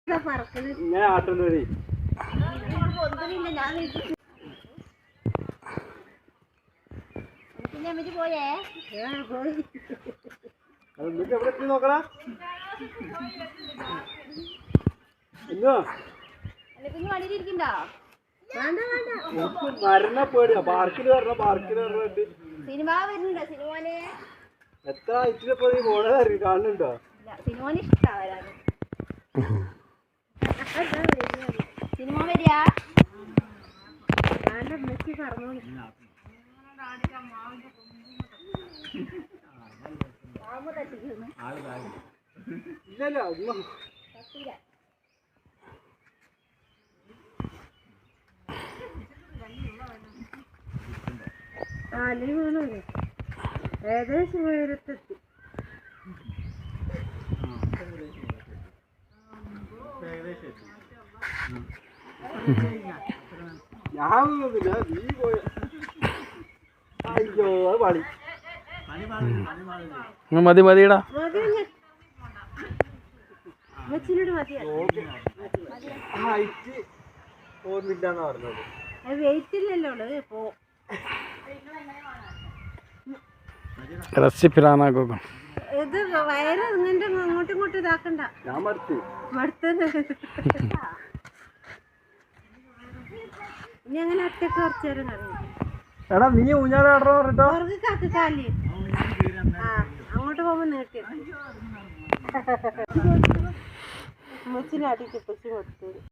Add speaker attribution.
Speaker 1: ഞാൻ ആട്ടുന്ന വഴി
Speaker 2: പോയേ
Speaker 1: എന്നിട്ട് എവിടെ എത്തി നോക്കണ എന്നോ
Speaker 2: വണ്ടിയിലിരിക്കണ്ടോ
Speaker 1: മരണ പേടിയാ പാർക്കിൽ പറഞ്ഞിട്ട്
Speaker 2: സിനിമ വരുന്നുണ്ടോ സിനിമോന്
Speaker 1: എത്ര ഇച്ചിരിപ്പോ നീ പോണേ കാണുന്നുണ്ടോ
Speaker 2: സിനിമോന് ഇഷ്ടാവരാണ് സിനിമ വരിക മെസ്സി പറഞ്ഞു
Speaker 1: ഇല്ലല്ലോ
Speaker 2: ഏകദേശം ഉയരത്തെത്തി
Speaker 1: ഞാൻ നീ പോയ അയ്യോ പണി
Speaker 3: മതി മതിയടാ
Speaker 1: ഹൈറ്റ് ഓർമ്മില്ലാന്ന് പറഞ്ഞത്
Speaker 2: വെയിറ്റ് ഇല്ലല്ലോ ഇപ്പോ
Speaker 3: റെസിപ്പിലാണോ
Speaker 2: ഇത് വയറ് ഇങ്ങനെ അങ്ങോട്ടും ഇങ്ങോട്ടും ഇതാക്കണ്ട
Speaker 1: ഞാൻ മടുത്ത്
Speaker 2: ഇനി അങ്ങനെ ഒറ്റക്ക് കുറച്ചു നേരം അറിയാം
Speaker 1: എടാ നീ ഊഞ്ഞാലാടോ പറഞ്ഞിട്ടോ
Speaker 2: കാലി അങ്ങോട്ട് പോകുമ്പോ നീട്ടി ഉമ്മച്ചിനെ അടിക്ക് ഉപ്പച്ചി കൊടുത്തു